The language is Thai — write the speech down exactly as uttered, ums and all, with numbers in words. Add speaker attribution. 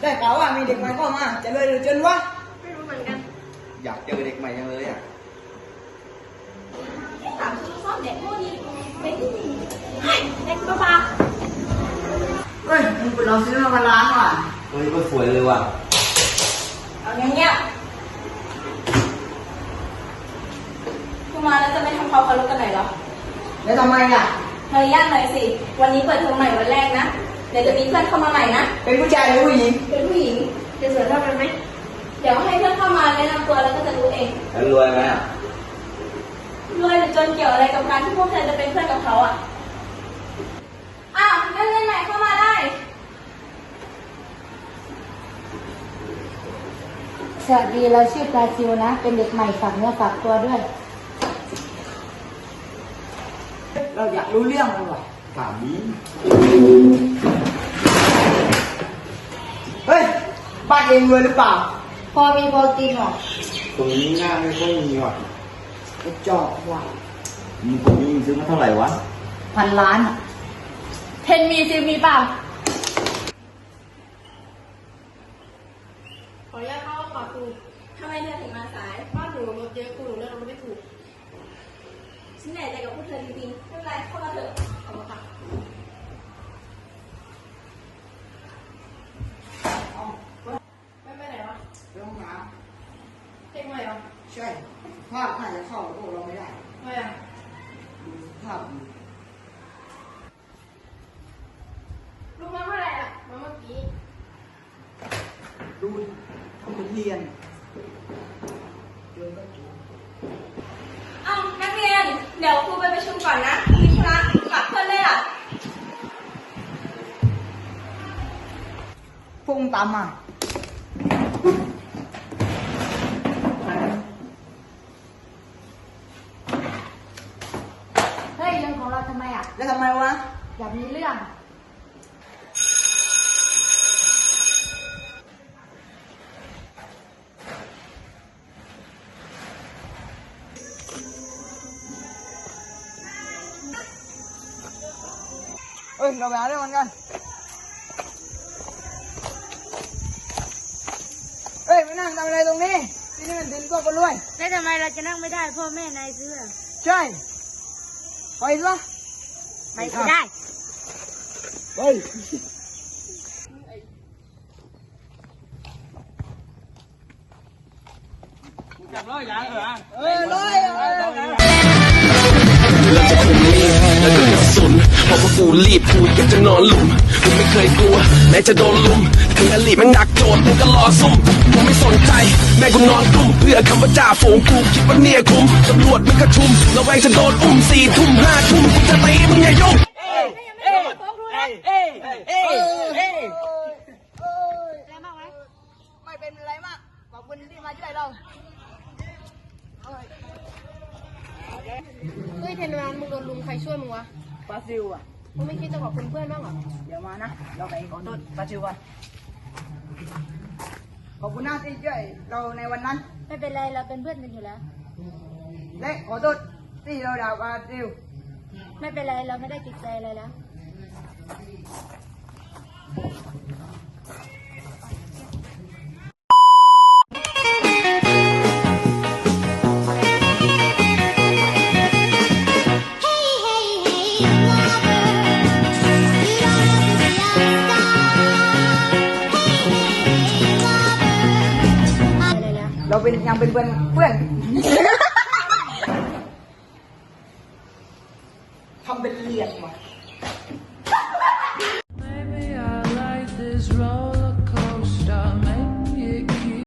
Speaker 1: ได้ข่าวว่ามีเด็กใหม่เข้ามาจะเลยหรือจนวะ
Speaker 2: ไม่รู้เหมือนกัน
Speaker 3: อยากเจอเด็กใหม่ยังเลยอ่ะ
Speaker 2: ถามชื่อชอบเด็กพวกนี้เป็นที่ดีเด็กบ้า
Speaker 1: เฮ้ยมึงเราซื้อมาล้างว่ะ
Speaker 3: เฮ้ยก็สวยเลยว่ะ
Speaker 2: เอาอย่างเงี้ยคุณมาแล้วจะไม่ทำความเคารพกันหน่อยเหรอ
Speaker 1: แล้วทำไมอ่ะ
Speaker 2: เฮ้ยย่านหน่อยสิวันนี้เปิดเทอมใหม่วันแรกนะเดี๋ยวจะมีเพื่อนเข้ามาใหม่นะ
Speaker 1: เป็นผู้ชายหรือผู้หญิง
Speaker 2: เป็นผู้หญิงจะสวยเท่ากันไหมเดี๋ยวให้เพื่อนเข้ามาแนะนำตัวแล้วก็จะรู้เอง
Speaker 3: แล้วรวยไหมอ่ะ
Speaker 2: รวยหรือจนเกี่ยวอะไรกับการที่พวกเธอจะเป็นเพื่อนกับเขาอ่ะอ้าวนักเรียนใหม่เข้ามาได้
Speaker 4: สวัสดีเราชื่อปลาซิวนะเป็นเด็กใหม่ฝากเนื้อฝากตัวด้วย
Speaker 1: เราอยากรู้เรื่องมันว่ะ
Speaker 3: ถามนี้
Speaker 1: เฮ้ยบ้านเองรวยหรือเปล่า
Speaker 4: พอมีพอกินหรอ
Speaker 3: ตรงนี้หน้าไม่ค่อยมีว่ะ
Speaker 1: กระจอกว่ะ
Speaker 3: มีตรงนี้ซื้อมาเท่าไหร่วะ
Speaker 4: พันล้าน
Speaker 2: เทนมีซิมีเปล่าขออนุญาตเข้าห้องก่อนครูทำไมเธอถึงมาสายบ้านหนูรถเยอะครูหนูเลือกรถไม่ถูกฉันเหนื่อยใจกับพวกเธอจริงๆไม่เป็นไรเข้ามาเถอะขอบคุณค่ะไม่ไปไหนวะ
Speaker 1: ไปห้องน้
Speaker 2: ำเพลงใหม่เหรอ
Speaker 1: ำใช่ภาพน่าจะเข้าพวกเราไม่ได้
Speaker 2: ทำไมอ่ะ
Speaker 1: ดูภาพดู
Speaker 2: ลูกมาเมื่อไหร่อ่ะมาเมื่อกี้
Speaker 1: ดูทำเป็นเรียนเดินก็ถูก
Speaker 2: อ้าวนักเรียนเดี๋ยวครูไปประชุมก่อนนะมีธุระกลับเพื่อนเลยอ่ะ
Speaker 1: พุ่งตามมา
Speaker 4: เฮ้ยเรื่องของเราทำไมอ่ะ
Speaker 1: แล้วทำไมวะ
Speaker 4: อยากมีเรื่อง
Speaker 1: เอ้ยเราไปหาเรื่องมันกันเอ้ยไปนั่งทำอะไรตรงนี้ที่นี่มันดินก็คนรวย
Speaker 4: แล้วทำไมเราจะนั่งไม่ได้พ่อแม่นายซื้อ
Speaker 1: ใช่ไปซะ
Speaker 4: ไม่ได้
Speaker 1: เฮ้ยจับร้อยอย่างเหรอเออร้อยเออ
Speaker 5: เราจะคุมมีดแล้วก็กระสุนเพราะว่ากูรีบกูอยากจะนอนหลุมกูไม่เคยกลัวแม้จะโดนลุมถึงอลีมันหนักโจทย์กูก็รอซุ่มกูไม่สนใจแม่กูนอนกลุ่มเพื่อคำว่าจ่าฝูงกูคิดว่าเนี่ยคุ้มตำรวจมันกระชุมระแวงจะโดนอุ้มสี่ทุ่มห้าทุ่มกูจะตีมึงอย่ายุ่ง
Speaker 1: เอ้ยเอ้ยเอ้ยเอ้ยเอ้ยเอ้ย
Speaker 4: แล้วมากไหม
Speaker 1: ไม่เป็นไรมากขอบคุณที่มาช่วยเรา
Speaker 4: เฮ้ยเทนวานมึงโดนลุงใครช่วยมึงวะ
Speaker 1: ปาซิวอ่ะ
Speaker 4: มึงไม่คิดจะขอบคุณเพื่อนบ้างเหรอ
Speaker 1: เดี๋ยวมานะเราไปขอโทษปาซิวก่อนขอบคุณนะที่ช่วยเราในวันนั้น
Speaker 4: ไม่เป็นไรเราเป็นเพื่อนกันอยู่แล้ว
Speaker 1: และขอโทษที่เราด่าปาซิว
Speaker 4: ไม่เป็นไรเราไม่ได้ติดใจอะไรแล้ว
Speaker 1: เราเป็นยังเป็นเพื่อนเพื่อน